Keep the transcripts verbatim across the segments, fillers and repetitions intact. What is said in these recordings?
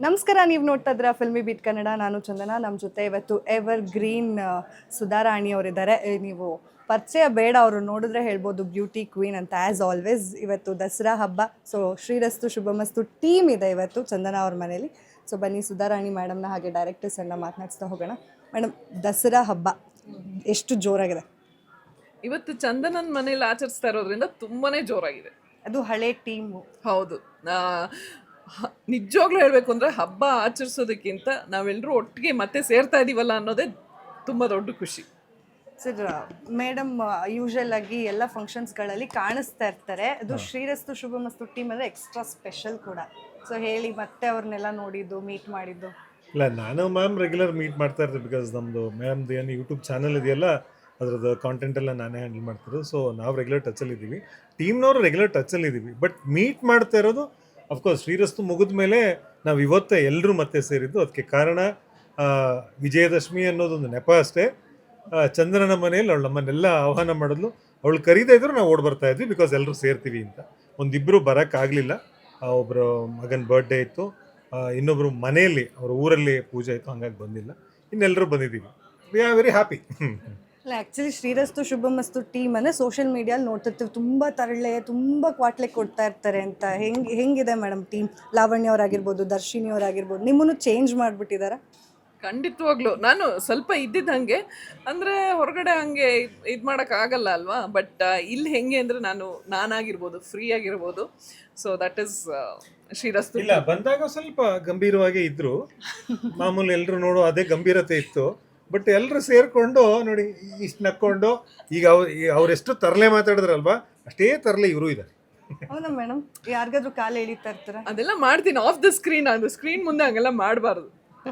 ನಮಸ್ಕಾರ, ನೀವು ನೋಡ್ತಾ ಇದ್ರ ಫಿಲ್ಮಿ ಬೀಟ್ ಕನ್ನಡ. ನಾನು ಚಂದನ. ನಮ್ಮ ಜೊತೆ ಇವತ್ತು ಎವರ್ ಗ್ರೀನ್ ಸುಧಾರಾಣಿ ಅವರಿದ್ದಾರೆ. ನೀವು ಪರಿಚಯ ಬೇಡ, ಅವರು ನೋಡಿದ್ರೆ ಹೇಳ್ಬೋದು ಬ್ಯೂಟಿ ಕ್ವೀನ್ ಅಂತ. ಆ್ಯಸ್ ಆಲ್ವೇಸ್ ಇವತ್ತು ದಸರಾ ಹಬ್ಬ, ಸೊ ಶ್ರೀರಸ್ತು ಶುಭಮಸ್ತು ಟೀಮ್ ಇದೆ ಇವತ್ತು ಚಂದನ ಅವ್ರ ಮನೇಲಿ. ಸೊ ಬನ್ನಿ ಸುಧಾರಾಣಿ ಮೇಡಮ್ನ ಹಾಗೆ ಡೈರೆಕ್ಟರ್ಸ್ ಎಲ್ಲ ಮಾತನಾಡಿಸ್ತಾ ಹೋಗೋಣ. ಮೇಡಮ್, ದಸರಾ ಹಬ್ಬ ಎಷ್ಟು ಜೋರಾಗಿದೆ ಇವತ್ತು ಚಂದನನ್ ಮನೇಲಿ ಆಚರಿಸ್ತಾ ಇರೋದ್ರಿಂದ ತುಂಬಾನೇ ಜೋರಾಗಿದೆ. ಅದು ಹಳೆ ಟೀಮು. ಹೌದು, ನಿಜವಾಗ್ಲೂ ಹೇಳ್ಬೇಕು ಅಂದ್ರೆ ಹಬ್ಬ ಆಚರಿಸೋದಕ್ಕಿಂತ ನಾವೆಲ್ಲರೂ ಒಟ್ಟಿಗೆ ಮತ್ತೆ ಸೇರ್ತಾ ಇದೀವಲ್ಲ ಅನ್ನೋದೇ ತುಂಬಾ ದೊಡ್ಡ ಖುಷಿ. ಸರ್, ಮೇಡಮ್ ಯೂಶಲ್ ಆಗಿ ಎಲ್ಲ ಫಂಕ್ಷನ್ಸ್ಗಳಲ್ಲಿ ಕಾಣಿಸ್ತಾ ಇರ್ತಾರೆ. ಅದು ಶ್ರೀರಸ್ತು ಶುಭಮಸ್ತು ಟೀಮ್ ಅಂದರೆ ಎಕ್ಸ್ಟ್ರಾ ಸ್ಪೆಷಲ್ ಕೂಡ. ಸೊ ಹೇಳಿ, ಮತ್ತೆ ಅವ್ರನ್ನೆಲ್ಲ ನೋಡಿದ್ದು, ಮೀಟ್ ಮಾಡಿದ್ದು? ಇಲ್ಲ, ನಾನು ಮ್ಯಾಮ್ ರೆಗ್ಯುಲರ್ ಮೀಟ್ ಮಾಡ್ತಾ ಇರ್ತೀವಿ. ಬಿಕಾಸ್ ನಮ್ಮದು ಮ್ಯಾಮ್ದು ಏನು ಯೂಟ್ಯೂಬ್ ಚಾನಲ್ ಇದೆಯಲ್ಲ, ಅದ್ರದ್ದು ಕಾಂಟೆಂಟ್ ಎಲ್ಲ ನಾನೇ ಹ್ಯಾಂಡಲ್ ಮಾಡ್ತಿರೋದು. ಸೊ ನಾವು ರೆಗ್ಯುಲರ್ ಟಚಲ್ಲಿ ಇದ್ದೀವಿ, ಟೀಮ್ನವರು ರೆಗ್ಯುಲರ್ ಟಚಲ್ಲಿ ಇದ್ದೀವಿ. ಬಟ್ ಮೀಟ್ ಮಾಡ್ತಾ ಇರೋದು ಅಫ್ಕೋರ್ಸ್ ಶ್ರೀರಸ್ತು ಮುಗಿದ ಮೇಲೆ ನಾವು ಇವತ್ತೇ ಎಲ್ಲರೂ ಮತ್ತೆ ಸೇರಿದ್ದು. ಅದಕ್ಕೆ ಕಾರಣ ವಿಜಯದಶಮಿ ಅನ್ನೋದೊಂದು ನೆಪ ಅಷ್ಟೇ. ಚಂದ್ರನ ಮನೆಯಲ್ಲಿ ಅವಳು ನಮ್ಮನ್ನೆಲ್ಲ ಆಹ್ವಾನ ಮಾಡಿದ್ಲು. ಅವಳು ಕರೀತಾ ಇದ್ರು ನಾವು ಓಡ್ ಬರ್ತಾ ಇದ್ವಿ, ಬಿಕಾಸ್ ಎಲ್ಲರೂ ಸೇರ್ತೀವಿ ಅಂತ. ಒಂದಿಬ್ಬರು ಬರೋಕ್ಕಾಗಲಿಲ್ಲ, ಒಬ್ಬರು ಮಗನ ಬರ್ಡೇ ಇತ್ತು, ಇನ್ನೊಬ್ಬರು ಮನೆಯಲ್ಲಿ ಅವ್ರ ಊರಲ್ಲಿ ಪೂಜೆ ಇತ್ತು, ಹಂಗಾಗಿ ಬಂದಿಲ್ಲ. ಇನ್ನೆಲ್ಲರೂ ಬಂದಿದ್ದೀವಿ. We are very happy. ಇಲ್ಲ, ಆ್ಯಕ್ಚುಲಿ ಶ್ರೀರಸ್ತು ಶುಭಮಸ್ತು ಟೀಮ್ ಅಂದರೆ ಸೋಷಿಯಲ್ ಮೀಡಿಯಲ್ಲಿ ನೋಡ್ತಿರ್ತೀವಿ, ತುಂಬ ತರಳೆ, ತುಂಬ ಕ್ವಾಟ್ಲೆ ಕೊಡ್ತಾ ಇರ್ತಾರೆ ಅಂತ. ಹೆಂಗೆ ಹೆಂಗಿದೆ ಮೇಡಮ್ ಟೀಮ್? ಲಾವಣ್ಯ ಅವರಾಗಿರ್ಬೋದು, ದರ್ಶಿನಿ ಅವರಾಗಿರ್ಬೋದು, ನಿಮ್ಮನ್ನು ಚೇಂಜ್ ಮಾಡಿಬಿಟ್ಟಿದ್ದಾರೆ? ಖಂಡಿತವಾಗ್ಲೂ ನಾನು ಸ್ವಲ್ಪ ಇದ್ದಿದ್ದು ಹಾಗೆ, ಅಂದರೆ ಹೊರಗಡೆ ಹಂಗೆ ಇದು ಮಾಡೋಕ್ಕಾಗಲ್ಲ ಅಲ್ವಾ. ಬಟ್ ಇಲ್ಲಿ ಹೆಂಗೆ ಅಂದರೆ ನಾನು ನಾನಾಗಿರ್ಬೋದು, ಫ್ರೀ ಆಗಿರ್ಬೋದು. So that is Shrirastu. ಇಲ್ಲ, ಬಂದಾಗ ಸ್ವಲ್ಪ ಗಂಭೀರವಾಗಿ ಇದ್ರು, ಮಾಮೂಲಿ ಎಲ್ಲರೂ ನೋಡೋ ಅದೇ ಗಂಭೀರತೆ ಇತ್ತು. ಬಟ್ ಎಲ್ಲರೂ ಸೇರ್ಕೊಂಡು ನೋಡಿ ಇಷ್ಟು ನಕ್ಕೊಂಡು, ಈಗ ಅವ್ರು ಅವರೆಷ್ಟು ತರಲೆ ಮಾತಾಡಿದ್ರಲ್ವಾ, ಅಷ್ಟೇ ತರಲೆ ಇವರು ಇದ್ದಾರೆ. ಹೌದಾ ಮೇಡಮ್? ಯಾರಿಗಾದ್ರೂ ಕಾಲು ಎಳಿತಾ ಇರ್ತಾರೆ? ಅದೆಲ್ಲ ಮಾಡ್ತೀನಿ ಆಫ್ ದ ಸ್ಕ್ರೀನ್. ಅದು ಸ್ಕ್ರೀನ್ ಮುಂದೆ ಹಂಗೆಲ್ಲ ಮಾಡಬಾರ್ದು.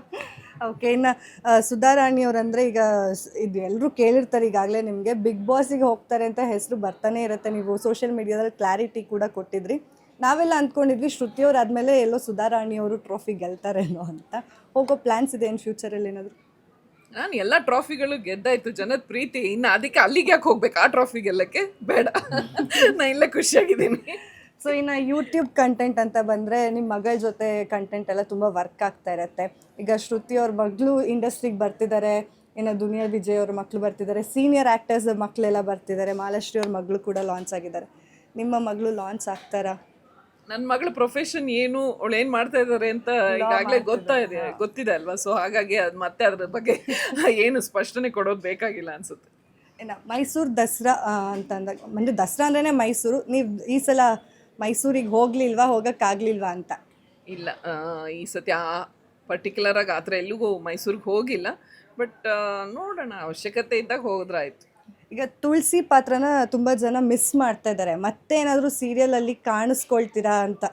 ಓಕೆ, ಇನ್ನು ಸುಧಾರಾಣಿ ಅವರಂದರೆ ಈಗ ಇದು ಎಲ್ಲರೂ ಕೇಳಿರ್ತಾರೆ ಈಗಾಗಲೇ, ನಿಮಗೆ ಬಿಗ್ ಬಾಸಿಗೆ ಹೋಗ್ತಾರೆ ಅಂತ ಹೆಸರು ಬರ್ತಾನೆ ಇರುತ್ತೆ. ನೀವು ಸೋಷಿಯಲ್ ಮೀಡಿಯಾದಲ್ಲಿ ಕ್ಲಾರಿಟಿ ಕೂಡ ಕೊಟ್ಟಿದ್ರಿ. ನಾವೆಲ್ಲ ಅಂದ್ಕೊಂಡಿದ್ವಿ ಶ್ರುತಿಯವ್ರು ಆದಮೇಲೆ ಎಲ್ಲೋ ಸುಧಾರಾಣಿಯವರು ಟ್ರೋಫಿ ಗೆಲ್ತಾರೇನೋ ಅಂತ. ಹೋಗೋ ಪ್ಲ್ಯಾನ್ಸ್ ಇದೆ ಏನು ಫ್ಯೂಚರಲ್ಲಿ ಏನಾದರೂ? ನಾನು ಎಲ್ಲ ಟ್ರಾಫಿಗಳು ಗೆದ್ದಾಯ್ತು, ಜನದ ಪ್ರೀತಿ. ಇನ್ನು ಅದಕ್ಕೆ ಅಲ್ಲಿಗೆ ಯಾಕೆ ಹೋಗ್ಬೇಕು? ಆ ಟ್ರಾಫಿ ಗೆಲ್ಲಕ್ಕೆ ಬೇಡ. ನಾನು ಇಲ್ಲೇ ಖುಷಿಯಾಗಿದ್ದೀನಿ. ಸೊ ಇನ್ನು ಯೂಟ್ಯೂಬ್ ಕಂಟೆಂಟ್ ಅಂತ ಬಂದರೆ, ನಿಮ್ಮ ಮಗಳ ಜೊತೆ ಕಂಟೆಂಟ್ ಎಲ್ಲ ತುಂಬ ವರ್ಕ್ ಆಗ್ತಾ ಇರುತ್ತೆ. ಈಗ ಶ್ರುತಿ ಅವ್ರ ಮಗಳು ಇಂಡಸ್ಟ್ರಿಗೆ ಬರ್ತಿದ್ದಾರೆ, ಇನ್ನು ದುನಿಯಾ ವಿಜಯ್ ಅವ್ರ ಮಕ್ಕಳು ಬರ್ತಿದ್ದಾರೆ, ಸೀನಿಯರ್ ಆ್ಯಕ್ಟರ್ಸ್ ಮಕ್ಕಳೆಲ್ಲ ಬರ್ತಿದ್ದಾರೆ, ಮಾಲಾಶ್ರೀ ಅವ್ರ ಮಗಳು ಕೂಡ ಲಾಂಚ್ ಆಗಿದ್ದಾರೆ. ನಿಮ್ಮ ಮಗಳು ಲಾಂಚ್ ಆಗ್ತಾರಾ? ನನ್ನ ಮಗಳ ಪ್ರೊಫೆಷನ್ ಏನು, ಅವಳು ಏನು ಮಾಡ್ತಾ ಇದ್ದಾರೆ ಅಂತ ಈಗಾಗಲೇ ಗೊತ್ತಾ ಇದೆ ಗೊತ್ತಿದೆ ಅಲ್ವಾ. ಸೊ ಹಾಗಾಗಿ ಅದು ಮತ್ತೆ ಅದ್ರ ಬಗ್ಗೆ ಏನು ಸ್ಪಷ್ಟನೆ ಕೊಡೋದು ಬೇಕಾಗಿಲ್ಲ ಅನ್ಸುತ್ತೆ. ಇನ್ನು ಮೈಸೂರು ದಸರಾ ಅಂತಂದಾಗ, ಅಂದರೆ ದಸರಾ ಅಂದ್ರೇ ಮೈಸೂರು. ನೀವು ಈ ಸಲ ಮೈಸೂರಿಗೆ ಹೋಗ್ಲಿಲ್ವಾ, ಹೋಗೋಕ್ಕಾಗಲಿಲ್ವಾ ಅಂತ? ಇಲ್ಲ, ಈ ಸತಿ ಆ ಪರ್ಟಿಕ್ಯುಲರಾಗಿ ಆ ಥರ ಎಲ್ಲಿಗೂ ಮೈಸೂರಿಗೆ ಹೋಗಿಲ್ಲ. ಬಟ್ ನೋಡೋಣ, ಅವಶ್ಯಕತೆ ಇದ್ದಾಗ ಹೋದ್ರಾಯ್ತು. ಈಗ ತುಳಸಿ ಪಾತ್ರನ ತುಂಬ ಜನ ಮಿಸ್ ಮಾಡ್ತಾ ಇದ್ದಾರೆ, ಮತ್ತೇನಾದರೂ ಸೀರಿಯಲಲ್ಲಿ ಕಾಣಿಸ್ಕೊಳ್ತೀರಾ ಅಂತ?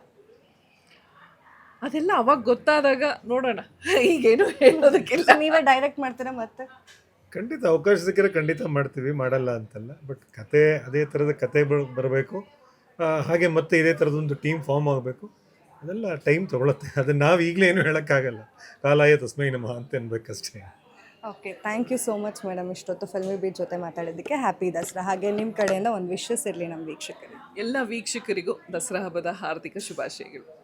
ಅದೆಲ್ಲ ಅವಾಗ ಗೊತ್ತಾದಾಗ ನೋಡೋಣ, ಈಗೇನು ಹೇಳೋದಕ್ಕಿಲ್ಲ. ನೀವೇ ಡೈರೆಕ್ಟ್ ಮಾಡ್ತೀರಾ ಮತ್ತೆ? ಖಂಡಿತ ಅವಕಾಶ ಸಿಕ್ಕರೆ ಖಂಡಿತ ಮಾಡ್ತೀವಿ, ಮಾಡಲ್ಲ ಅಂತಲ್ಲ. ಬಟ್ ಕತೆ ಅದೇ ಥರದ ಕತೆ ಬರಬೇಕು, ಹಾಗೆ ಮತ್ತೆ ಇದೇ ಥರದೊಂದು ಟೀಮ್ ಫಾರ್ಮ್ ಆಗಬೇಕು. ಅದೆಲ್ಲ ಟೈಮ್ ತೊಗೊಳುತ್ತೆ. ಅದನ್ನು ನಾವು ಈಗಲೇ ಏನು ಹೇಳೋಕ್ಕಾಗಲ್ಲ. ಕಾಲಾಯ ತಸ್ಮೈ ನಮಃ ಅಂತ ಅನ್ಬೇಕಷ್ಟೇ. Okay, thank you so much madam, ಇಷ್ಟೊತ್ತು ಫಿಲ್ಮಿ ಬೀಟ್ ಜೊತೆ ಮಾತಾಡೋದಕ್ಕೆ. ಹ್ಯಾಪಿ ದಸರಾ. ಹಾಗೆ ನಿಮ್ಮ ಕಡೆಯಿಂದ ಒಂದು ವಿಶಸ್ ಇರಲಿ ನಮ್ಮ ವೀಕ್ಷಕರಿಗೆ. ಎಲ್ಲ ವೀಕ್ಷಕರಿಗೂ ದಸರಾ ಹಬ್ಬದ ಹಾರ್ದಿಕ ಶುಭಾಶಯಗಳು.